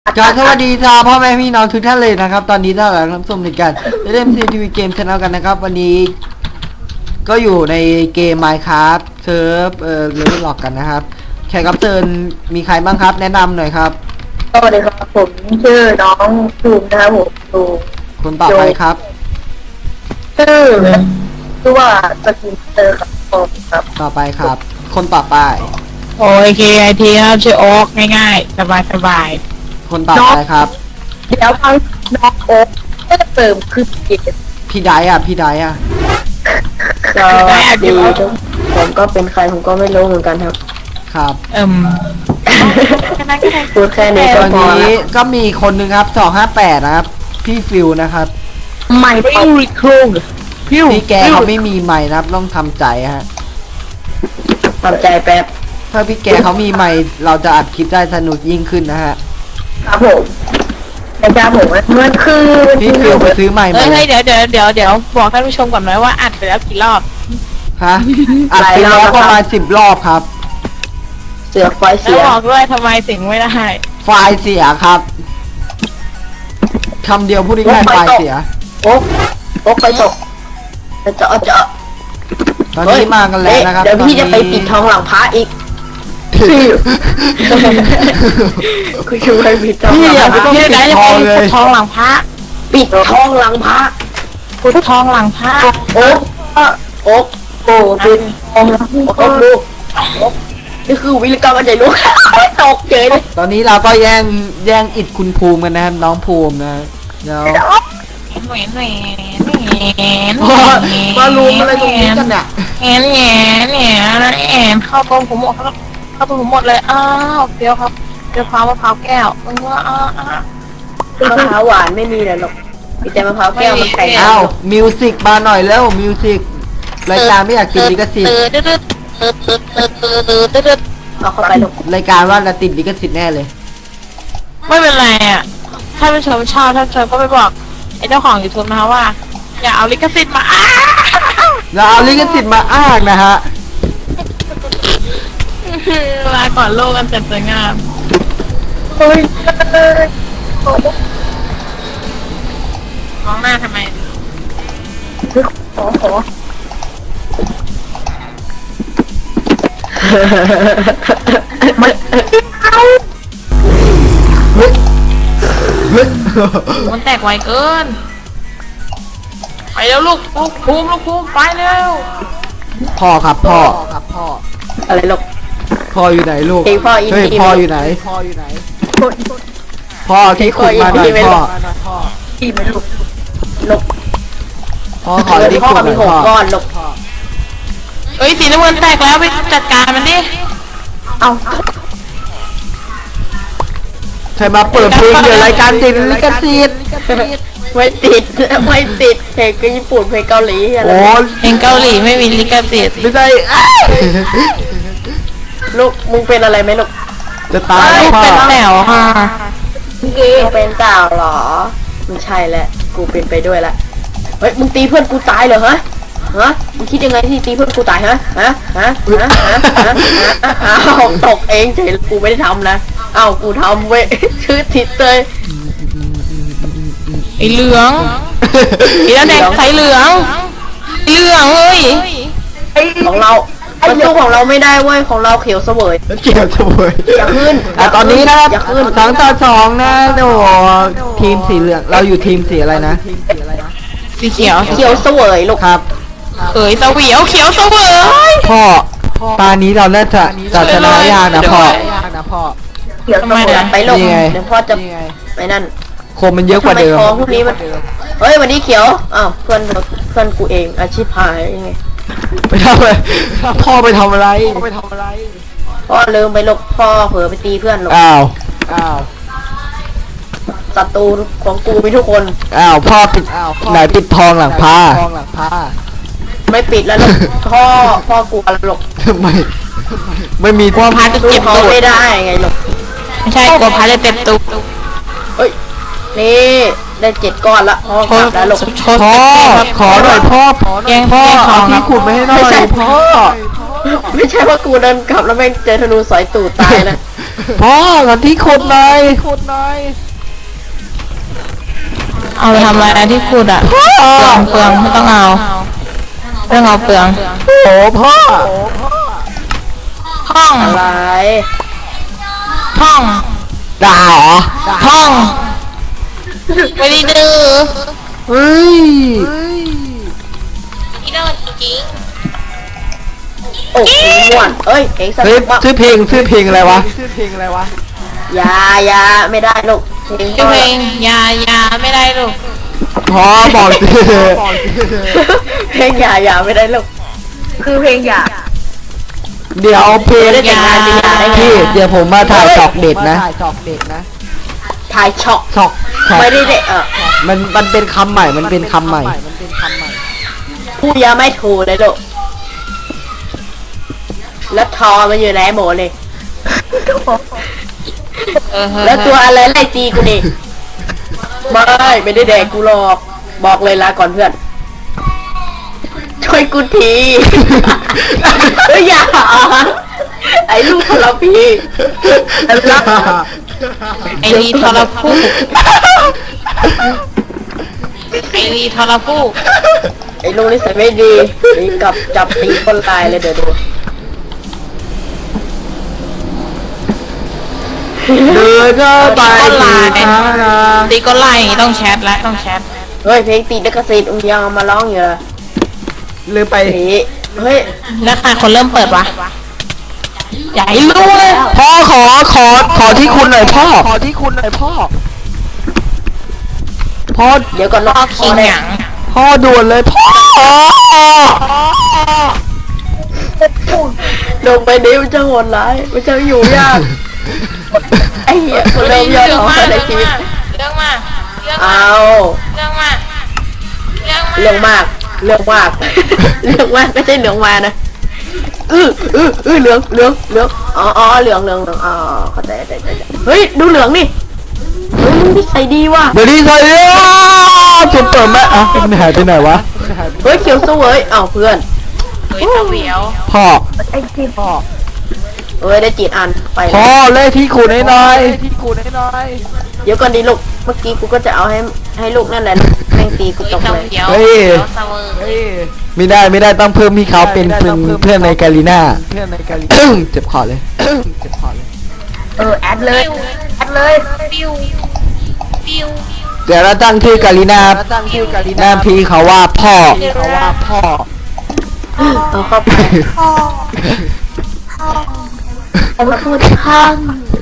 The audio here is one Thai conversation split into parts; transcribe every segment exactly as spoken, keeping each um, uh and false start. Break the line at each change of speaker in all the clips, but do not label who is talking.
การสวัสดีจ้าพ่อแม่พี่น้องทุกท่านเลยนะครับตอนนี้ท่านกำลังรับชมในการเล่นซีทีวีเกมชาแนลกันนะครับวันนี้ก็อยู่ในเกม Minecraft เซิร์ฟเอ่อเลเวลล็อกกันนะครับแขกรับเชิญมีใครบ้างครับแนะนำหน่อยครับ
สวัสดีครับผมชื่อน้องภูมินะครับผมดู
คนต่อไปครับ
ชื่อชื่อว่าสกินเตอร์ครับผมครับ
ต่อไปครับ คนต่อไป
โอเคไอทีครับชื่อโอ๊กง่ายๆสบายสบาย
คนต่อไปครับ
เดี๋ยวฟังน้องโอ๊กก็จะเติมคือเกม
พี่ไดอ่ะพี่ไดอ่ะ
ก็ดีผมก็เป็นใครผมก็ไม่รู้เหมือนกันครับ
ครับ
เอิ่ม
พูดแค่นี้
ต
ก็
อน
พอ
นี้ก็มีคนหนึ่งครับสองห้าแปดนะครับพี่ฟิวนะครับ
ไม่
พิวริคุงพิว
พี่แกเขาไม่มีไมค์นะครับต้องทำใจฮะ
ทำใจแป๊บ
ถ้าพี่แกเขามีไมค์เราจะอัดคลิปได้สนุกยิ่งขึ้นนะฮะ
ครับผมแต่จ้าผมมันคือ
พี่ฟิวไปซื้อไมค์มา
เฮ้ยเดี๋ยวเดี๋ยวเดี๋ยวเดี๋ยวบอกท่านผู้ชมก่อนไหมว่าอัดไปแล้วกี่รอบ
ฮะอัดไปแล้วประมาณสิบรอบครับ
เสือไฟเสี
แล้ว
ย
บอกด้วยทำไมถึงไม่ได้
ไฟเสียครับคำเดียวพูดง่ายๆไฟเสีย
โอ๊กโอ๊กไปตกจะเจาะเจาะ
ตอนนี้มากันแล้วนะครับ
เดี๋ยวพี่จะไปปิดทองหลังพระอีกพี่คุณช่วยปิดทองหลังพระ
พี่ไหนจะไปปิดทองหลังพระ
ปิดทองหลังพระ
พุททองหลังพระ
โอ๊กโอ๊กโอ้ปิดทองหลังโอ๊กลูกนี่คือวิลกรรมอะไรลูกตกเฉยเลย
ตอนนี้เราก็แย่งแย่งอิดคุณภูมิกันนะครับน้องภูมินะเดี๋ยว
แหวนแหวนแหวน
มาลุมอะไรตรงนี้กันเนี่ย
แหวนแหวนแหวนแหวนเข้าตรงผมหมดเข้าตรงผมหมดเลยอ้าวเดี๋ยวครับเดี๋ยวพร้าวมะพร้าวแก้วมึงว่าอ้าวอ้าว
มะพร้าวหวานไม่มีเลยหรอกมีแต่มะพร้าวแก้วมันแข็ง
อ้าวมิวสิกมาหน่อยแล้วมิวสิกรายการไม่อยากติดลิขสิทธิ์
เอาเข้าไปลูก
รายการว่าเราติดลิขสิทธิ์แน่เลย
ไม่เป็นไรอ่ะถ้าผู้ชมชอบถ้าชมก็ไปบอกไอ้เจ้าของยูทูบนะคะว่าอย่าเอาลิขสิทธิ์มาอ้า
เราเอาลิขสิทธิ์มาอ้างนะฮะ
ลาก่อนโลกกันแต่สวยงาม
เฮ้ย
มองหน้าทำไม
ขอขอ
มันเอามันแตกไวเกินไปแล้วลูกลูกภูมิลูกภูมิไปเร็ว
พ่อครับพ่อครับพ่อ
อะไรลูก
พ่ออยู่ไหนลูก
เฮ้ยพ่ออิน
ดี้พ่ออยู่ไหนพ่ออยู่ไหนพ่อที่ขุดมาหน่อยพ่อ
ที่ไม่ลูกลูก
พ่อขอที่ขุดหน่อยพ่อ
ก้อนลูก
เอ้ยสีน้ำเงินแตกแล้วไปจัดการมันดิ
เอา
ใครมาเปิดเพลงเดี๋ยวรายการติดลิขสิทธิ์
ไม่ติดไม่ติดเพลงก็ญี่ปุ่นเพลงเกาหลีอะไร
โอ้
เพลงเกาหลีไม่มีลิขสิทธิ์
ไม่ใช่
ลูกมึงเป็นอะไรไหมลูก
จะตายแล้วพ่อ
เป็นแถวค่ะ
มึงเป็นเจ้าหรอไม่ใช่แหละกูเป็นไปด้วยละเฮ้ยมึงตีเพื่อนกูตายเหรอฮะฮะมึงคิดยังไงที่ตีเพื่อนกูตายฮะฮะฮะฮะฮะฮะอ้าวตกเองเฉยกูไม่ได้ทำนะอ้าวกูทำเว้ยชื่อทิศเลย
ไอเหลืองไอแดงใส่เหลืองเหลืองเอ้ย
ของเราประตูของเราไม่ได้เว้ยของเราเขียวเสวย
เขียวเสวย
อย่าขึ้น
อ่ะตอนนี้นะครับสองต่อสองนะโอ้ทีมสีเหลืองเราอยู่ทีมสีอะไรนะ
สีเขียว
เขียวเสวยลูก
ครับ
เอ้ยเสวียวเขียวเสวย
พ่อตานี้เราน่าจะจะชนะยากนะพ่อ
เขียวเสวยไปลงเดี๋ยวพ่อจะไปนั่น
โคมมันเยอะกว่าเดิม
พวกนี้มันเฮ้ยวันนี้เขียวอ้าวเพื่อนเพื่อนกูเองอาชีพพายยังไง
ไปทำอะไรพ่อไปทำอะไรไปทำอะไร
พ่อลืมไปลบพ่อเผลอไปตีเพื่อนลง
อ้าวอ้าว
ศัตรูของกูมีทุกคน
อ้าวพ่อปิดไหนปิดทองหลังผ้า
ไม่ปิดแล้วลูกพ่อพ่อกูอะไรลูก
ทำไมไม่มี
กลัวพาจะเจ็บ
ตัวไม่ได้ไงลูก
ไม่ใช่กลัวพาจะเจ็บตุก
เฮ้ยนี่ได้เจ็ดก้อนละพ่อกลับแล้วลูก
พ่อขอหน่อยพ่อ
แกงพ่อ
เอาที่ขุดไม่ให้หน่อยพ่อ
ไม่ใช่ว่ากูเดินกลับแล้วแม่งเจอธนูสอยตูดตายนะ
พ่อขอที่ขุดหน่อยขุดหน่อย
เอาไปทำอะไรที่ขุดอ่ะเปลืองเปลืองไม่ต้องเอาเรื่องเอาเปลือง
โอ้พ่อ
ห้อง
อะไร
ห้อง
ด่าเหรอ
ห้องไม่ได้ดื้อ
เฮ้ย
ไม่ได้จริง
โอ้โหม่วนเอ้ยเองส
เฮ้ย
นุกมาก
ชื่อเพลงชื่อเพลงอะไรวะชื่อเพลงอะไรวะ
อยาอยาไม่ได้ลูกเพลง
ชื่อเพลงยายาไม่ได้ลูก
พ่อบอกสิ
เพลงอยาอยาไม่ได้ลูกคือเพลงอยา
เดี๋ยวเพลง
ได้แต่งงานเป็นยาได้ไง
พี่เดี๋ยวผมมาถ่ายจอกเด็ดนะ
ถ่ายช็อก
จอกจอก
ไม่ได้เด็กเออ
มันมันเป็นคำใหม่มันเป็นคำใหม่
พูดยาไม่ถูกเลยลูกแล้วทอมันอยู่ไหนหมดเลย
เออ
แล้วตัวอะไรไล่ตีกูนี่ไม่ไม่ได้แดกกูหรอกบอกเลยลาก่อนเพื่อน ช่วยกูทีเฮ้ยอย่าไอ้ลูกทรพีไอ้ลูก
ไอรีทรพูไอรีทรพู
ไอ้ลูกนี่ใส่ไม่ดีนี่กลับจับตีคนตายเลยเดี๋ยวดู
เดินก็ไป
ก็ไล
ดี
น์
นะ
ตีก็ไล่ต้องแชทแล้วต้องแชท
เฮ้ยเพลงตีลิขสิทธิ์อุ้งยังเอามาร้องอยู่เลย
ลืมไป
นี่เฮ้ย
แล้วใครคนเริ่มเปิดวะใหญ่รู้เลย
พ่อขอขอขอที่คุณหน่อยพ่อขอที่คุณหน่อยพ่อพ่อ
เดี๋ยวก่อน
พ่
นะ
อคิงหยัง
พ่อด่วนเลยพ่อ
ลงไปนี้มันจะโหดร้ายมันจะอยู่ยากไอ้เหี้ยคนเริ่มยอดของในชีวิต
เรื่องมากเรื่อง
เอา
เรื่องมากเรื่อง
เรื่องมากเรื่องมากเรื่องมากไม่ใช่เหลืองมานะอืออืออือเหลืองเหลืองเหลืองอ๋ออ๋อเหลืองเหลืองเหลืองอ๋อเข้าใจเข้าใจเข้าใจเฮ้ยดูเหลืองนี่เฮ้ยมึงนี่ใส่ดีว่ะ
เดี๋ยวนี้ใส่จนเปิดแม่อ่ะมันหายไปไหนวะ
เฮ้ยเขียวสวยเอ้าเพื่อน
เฮ้ยเสวียว
พ่อ
ไอ้ที่พ่อเอ้ยได้จีดอันไป
พ่อ
แล้ว
เลขที่คุณให้หน่อยที่คุณให้หน่อย
เดี๋ยวก่อนดีลูกเมื่อกี้กูก็จะเอาให้ให้ลูกนั่นแหละแม่งตีกู
เฮ้ย
ตก
เส
เลย
วียว
เฮ้ย
เสวียวเสวย
ไม่ได้ไม่ได้ต้องเพิ่มพี่เขาเป็นเพื่อนเพื่อนในกาลีน่าเพื่อนในกาลีน่าเจ็บคอเลยเจ็บคอเลย
เออแอดเลยแอดเลย
ปิ้วปิ้ว
เดี๋ยวเราตั้งชื่อกาลีน่าตั้งชื่อกาลีน่าพี่เขาว่าพ่อเขาว่าพ่อ
เอาเข้าไปเอามาพูดข้าง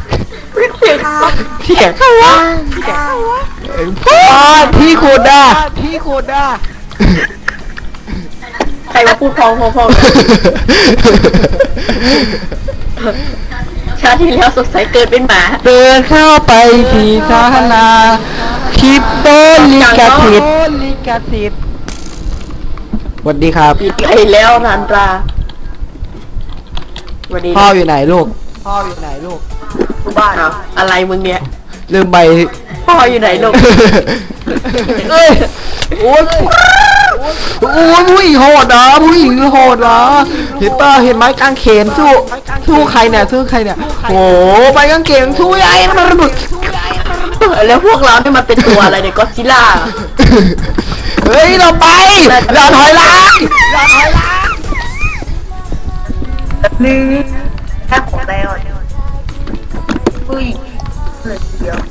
เสียงเขาว่าพ่อพี่คุณด่าพี่คุณด่า
ใครมาพูดพองพองพองชาติที่แล้วสดใสเกินเป็นหมา
เดินเข้าไปที่ศาลาคลิปโตลิกาสิทธิ์ลิกาสิทธิ์สวัสดีครับ
ปิดไอแล้วนันตราสวัสดี
พ่ออยู่ไหนลูกพ่ออยู่ไหนลูก
บ้านอะไรมึงเนี่ย
ลืมใบ
พ่ออยู่ไหนลูก
เอ้ยโอ้ยโอ้ยผู้หญิงโหดนะผู้หญิงโหดนะเห็นป่ะเห็นไม้กางเขนสู้สู้ใครเนี่ยสู้ใครเนี่ยโอ้ไม้กางเขนสู้ใหญ่มันระเบิด
แล้วพวกเราเนี่ยมันเป็นตัวอะไรเนี่ยก็ซิล่า
เฮ้ยเราไปเราถอยหลังเราถอยหลัง
นี่แค่ของแล้วอุ้ยเดี๋ยว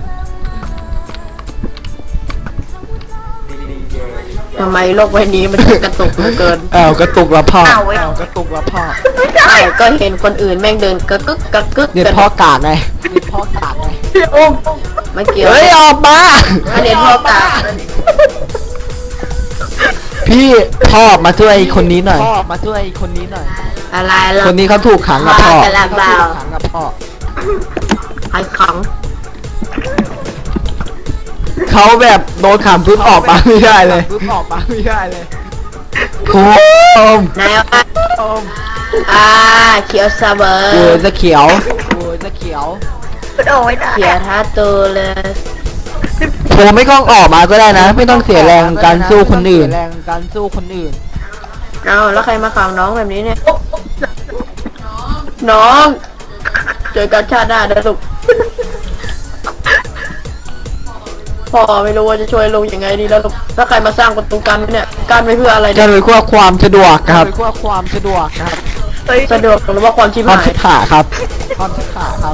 ทำไมโลกใบนี้มันกระตุกเหลือเกิน
อ้าวกระตุกละพ่อ
อ้าวเว้ย
กระตุกละพ่อ
ใช่ก็เห็นคนอื่นแม่งเดินกระกึกกระกึก
เนี่ยพ่อกาดไงเนี่ยพ่อกาดไง
ไม่เกี่ยว
เฮ้ยออกมา
อันนี้พ่อกา
พี่พ่อมาช่วยคนนี้หน่อยพ่อมาช่วยคนนี้หน่อย
อะไรล่ะ
คนนี้เขาถูกขังกับพ่อ
ไปแล้วเปล่า
ถูกขังกับพ่อ
ไอ้ขัง
เขาแบบโดนขังปุ๊บออกมาไม่ได้เลยปุ๊บออกมาไม่ได้เลยโอ้ม
นายว่าอ่าเขียวซาเบอร์
โอ้ยจะเขียวโอ้ยจะเขียว
เขียวท่าตัวเลย
ผมไม่ต้องออกมาก็ได้นะ ไม่ต้องเสียแรงการสู้คนอื่นแรงการสู้คนอื่น
เอาแล้วใครมาขังน้องแบบนี้เนี่ย น้องเจอกันชาติหน้านะลูกพ่อไม่รู้ว่าจะช่วยลุงยังไงดีแล้วลูกถ้าใครมาสร้างประตูกันไว้เนี่ยกันไว้เพื่ออะไร
จะ
เนี่ย
โดยเพื่อความสะดวกครับเพื่อความสะดวกครับ
สะดวกหรือว่าความชิบ
ความ
หาย
ชิบขาครับความชิบขาครับ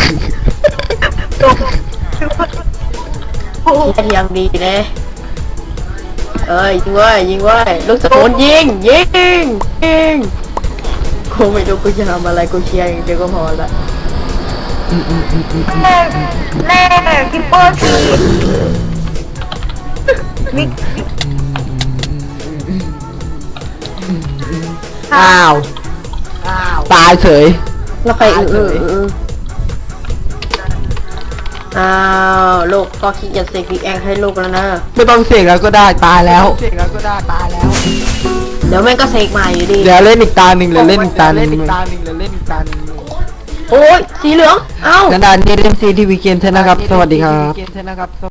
เทียงดีนะเอ้ยยิงไว้ยิงไว้ลูกสมุนยิงยิงยิงกูไม่รู้กูจะทำอะไรกูเชียร์อย่างเดียวก็พอละ
แน่แน่คิปเปอร์ทีมิก
อ้าวตายเฉย
แล้วใครอืออืออืออ้าวลูกก็คิดจะเสกบิ๊กแองให้ลูกแล้วนะ
ไม่ต้องเสกแล้วก็ได้ตายแล้วเสกแล้วก็ได้ตายแล้ว
เดี๋ยวแม่งก็เสกใหม่อยู่ดี
เดี๋ยวเล่นอีกตาหนึ่งเดี๋ยวเล่นอีกตาหนึ่งเล่นอีกตาหนึ่งเดี๋ยวเล่นอีกตาหนึ่ง
โอ้ยสีเหลืองเอ้า
นันดานนี่เล่นซีทีวีเกมเทนนะครับสวัสดีครับ